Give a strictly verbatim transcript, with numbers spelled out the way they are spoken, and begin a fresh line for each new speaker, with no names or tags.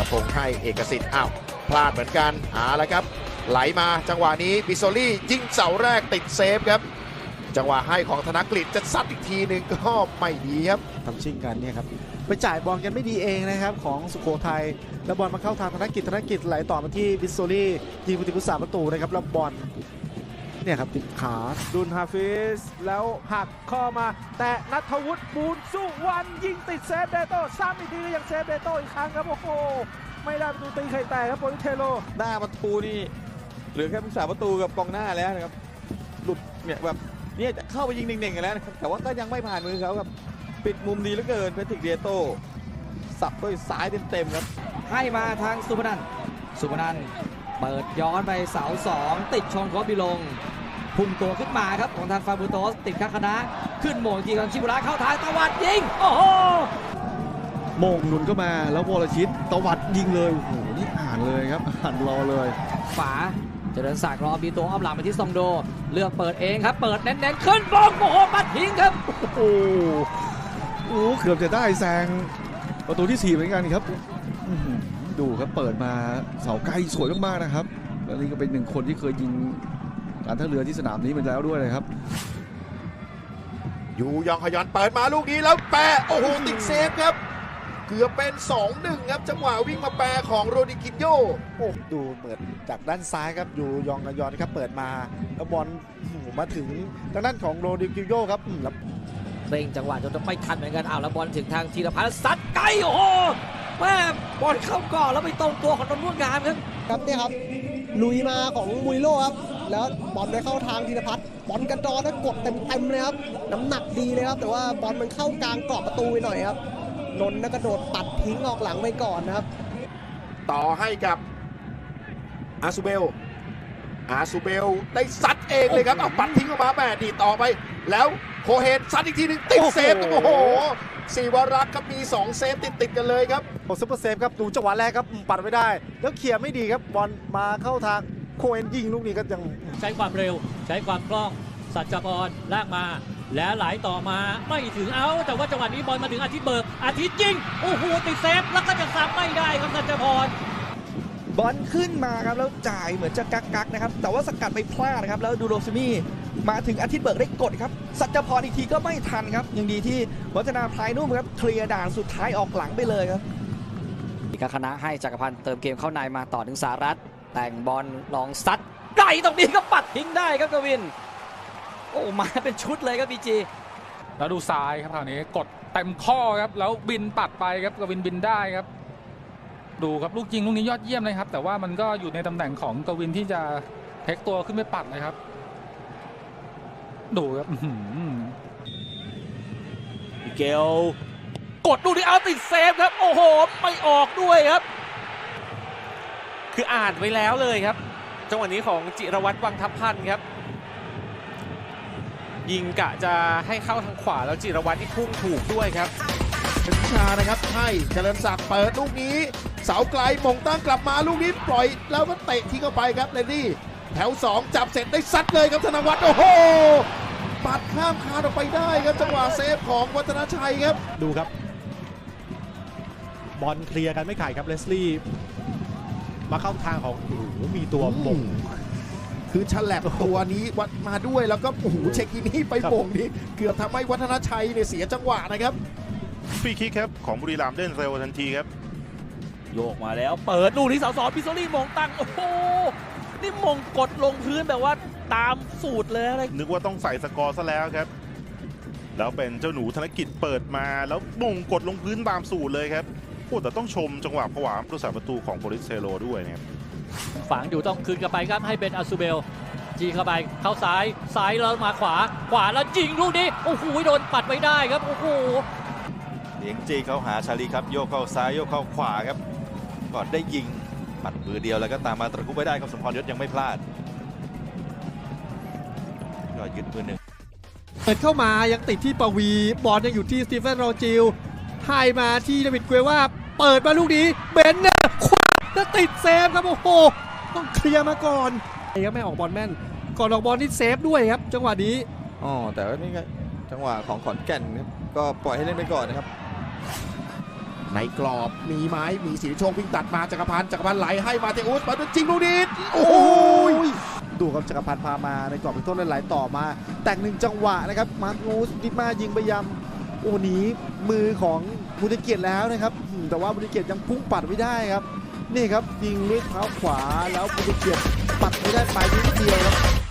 พงษ์ให้เอกสิทธิ์อ้าวพลาดเหมือนกันเอาละครับไหลมาจังหวะนี้บิโซลี่ยิงเสาแรกติดเซฟครับจังหวะให้ของธนกฤษจะซัดอีกทีหนึ่งก็ไม่ดีครับ
ทำชิงกันเนี่ยครับไปจ่ายบอลกันไม่ดีเองนะครับของสุโขทัยแล้วบอลมาเข้าทางธนกิจธนกิจไหลต่อมาที่บิสโซลี่ยิงประตูพุทธศาสตร์ประตูนะครับแล้วบอลเนี่ยครับติดขา
ดุนฮาฟิสแล้วหักข้อมาแต่นัทวุฒิบูนสุวรรณยิงติดเซฟเดโต้ซ้ำอีกทีก็ยังเซฟเดโต้อีกครั้งครับโอ้โหไม่ได้ประตูตีไข่แตกครับโปรลิสเทโร
หน้าประตูนี่เหลือแค่ผู้สาประตูกับกองหน้าแล้วนะครับหลุดเนี่ยแบบเนี่ยจะเข้าไปยิงเน่งๆกันแล้วนะครับแต่ว่าก็ยังไม่ผ่านมือเขาครับปิดมุมดีเหลือเกินเพทริกเดโต้สับด้วยซ้ายเต็มๆครับ
ให้มาทางสุพนันท์สุพนันท์เปิดย้อนไปเสาสองติดชนโคบิลงพุ่งตัวขึ้นมาครับของทางฟาบูโตสติดข้าคณะขึ้นโมงทีของชิบุระเข้าทางตะวัดยิงโอ้โห
โมงหนุนเข้ามาแล้ววรชิตตวัดยิงเลยโอ้โหนี่อ่านเลยครับอ่านรอเลย
ฝาเจริญศักดิ์รอบีตัวอ้อมหลังไปที่ซองโดเลือกเปิดเองครับเปิดเน้นๆขึ้นบอลโอ้โหปัดทิ้งครับ
โอ้โหโอ้เกือบจะได้แซงประตูที่สี่เหมือนกันครับอื้อหือดูครับเปิดมาเสาไกลสวยมากๆนะครับแล้วนี่ก็เป็นหนึ่งคนที่เคยยิงการท่าเรือที่สนามนี้มาแล้วด้วยนะครับ
อยู่ยองฮยอนเปิดมาลูกนี้แล้วแปะโอ้โหติดเซฟครับเกือบเป็น สองหนึ่ง ครับจังหวะวิ่งมาแปะของโรดิกินโย
โอ้ดูเหมือนจากด้านซ้ายครับอยู่ยองกยอนครับเปิดมาแล้วบอลมาถึงทางด้านของโรดิกิโยครับแล้ว
เร่งจังหวะจนไม่ทันเหมือนกันอ้าวแล้วบอลถึงทางธีรพัฒน์ซัดไกลโอ้โหแม่บอลเข้าก่อนแล้วไปตรงตัวของนนท์ม่วงงามครับ
ครับเนี่ยครับลุยมาของมุยโลครับแล้วบอลไปเข้าทางธีรพัฒน์บอลกระดอนแล้วกดเต็มๆเลยครับน้ำหนักดีเลยครับแต่ว่าบอลมันเข้ากลางกรอบประตูไปหน่อยครับนนท์กระโดดปัดทิ้งออกหลังไปก่อนนะครับ
ต่อให้กับอาซูเบลอาซูเบลได้ซัดเองเลยครับเอาปัดทิ้งออกมาแม่ดีต่อไปแล้วโคเฮนซัดอีกทีหนึ่งติดเซฟครับโอ้โหสีวรักษ์ครับมีสองเซฟติดติดๆกันเลยครับ
โอ้ซุปเปอร์เซฟครับดูจังหวะแรกครับปัดไม่ได้ แล้วเคลียร์ไม่ดีครับบอลมาเข้าทางโคเอนยิงลูกนี้ก็ยัง
ใช้ความเร็วใช้ความคล่องสัจจพรลากมา แล้วไหลต่อมาไม่ถึงเอาแต่ว่าจังหวะนี้บอลมาถึงอาทิตย์เบิกอาทิตย์ยิงโอ้โหติดเซฟแล้วก็จะซ้ำไม่ได้ครับสัจจพร
บอลขึ้นมาครับแล้วจ่ายเหมือนจะกักกักๆนะครับแต่ว่าสกัดไปพลาดนะครับแล้วดูโรซิมี่มาถึงอาทิตย์เบิกได้กดครับสัจพรอีกทีก็ไม่ทันครับยังดีที่วัฒนาพลายนุ่มครับเคลียร์ด่านสุดท้ายออกหลังไปเลยครับ
อีกคณะให้จักรพันธ์เติมเกมเข้าในมาต่อถึงสารัตแต่งบอลลองซัดไกลตรงนี้ก็ปัดทิ้งได้ครับกวินโอ้มาเป็นชุดเลยครับบีจี
แล้วดูซ้ายครับคราวนี้กดเต็มข้อครับแล้วบินปัดไปครับกวินบินได้ครับดูครับลูกยิงลูกนี้ยอดเยี่ยมเลยครับแต่ว่ามันก็อยู่ในตำแหน่งของกวินที่จะเทคตัวขึ้นไปปัดเลยครับดูครับ
มิเกลกดลูกนี้เอาติดเซฟครับโอ้โหไม่ออกด้วยครับคืออ่านไว้แล้วเลยครับจังหวะนี้ของจิรวัตรวังทัพพันธ์ครับยิงกะจะให้เข้าทางขวาแล้วจิรวัตรที่พุ่งถูกด้วยครับ
เป็นชานะครับให้เจริญศักดิ์เปิดลูกนี้เสาไกลมงตั้งกลับมาลูกนี้ปล่อยแล้วก็เตะทิ้งเข้าไปครับเลนนี่แถวสองจับเสร็จได้ซัดเลยครับธนวัฒน์โอ้โหปัดข้ามคานออกไปได้ครับจังหวะเซฟของวัฒนชัยครับ
ดูครับบอลเคลียร์กันไม่ขาดครับเลสลี่มาเข้าทางของโอ้โหมีตัวบ่ง
คือฉลับตัวนี้วัดมาด้วยแล้วก็โอ้โหเช็คกินี่ไปโป่งนี้เกือบทำให้วัฒนชัยเนี่ยเสียจังหวะนะครับ
ฟรีคิกครับของบุรีรัมย์เล่นเร็วทันทีครับ
โยกมาแล้วเปิดลูกที่เสาสองพิโซลี่มงตั้งโอ้โหนี่มงกดลงพื้นแบบว่าตามสูตรเลยอะไร
นึกว่าต้องใส่สกอร์ซะแล้วครับแล้วเป็นเจ้าหนูธนกิจเปิดมาแล้วมงกดลงพื้นตามสูตรเลยครับโอ้แต่ต้องชมจังหวะผวาผู้สาประตูของโปลิสเทโรด้วยนะครับ
ฝังอยู่ต้องคืนกลับไปครับให้เป็นอาซูเบลจีเข้าไปเข้าซ้ายซ้ายแล้วมาขวาขวาแล้วยิงลูกนี้โอ้โหโดนปัดไว้ได้ครับโอ้โห
เลี้ยงจีเข้าหาชาลีครับโยกเข้าซ้ายโยกเข้าขวาครับก่อนได้ยิงปัดมือเดียวแล้วก็ตามมาตะคุบไว้ได้ครับสมพรยศยังไม่พลาดก็ยึดมือหนึ่ง
เปิดเข้ามายังติดที่ปวีบอลยังอยู่ที่สตีเฟนโรจิลให้มาที่เดวิดเกวว่าเปิดมาลูกนี้เบนเนอร์ขวาแล้วติดเซฟครับโอ้โหต้องเคลียร์มาก่อนไอ้ครับไม่ออกบอลแม่นก่อนออกบอลนี่เซฟด้วยครับจังหวะนี้
อ๋อแต่ว่านี่ก็จังหวะของขอนแก่นครับก็ปล่อยให้เล่นไปก่อนนะครับ
ในกรอบมีไหมมีสิริโชควิ่งตัดมาจักรพันธ์จักรพันธ์ไหลให้มาเตอุสมาจริงลูกนี้โอ้ย
ดูครับจักรพันธ์พามาในกรอบเป็นต้นไหลต่อมา แต่งหนึ่งจังหวะนะครับมาร์กูสดิมายิงไปยำโอ้หนีมือของบุญเกียรติแล้วนะครับอืมแต่ว่าบุญเกียรติยังพุ่งปัดไม่ได้ครับนี่ครับยิงด้วยเท้าขวาแล้วบุญเกียรติปัดไม่ได้ไปนิดเดียวครับ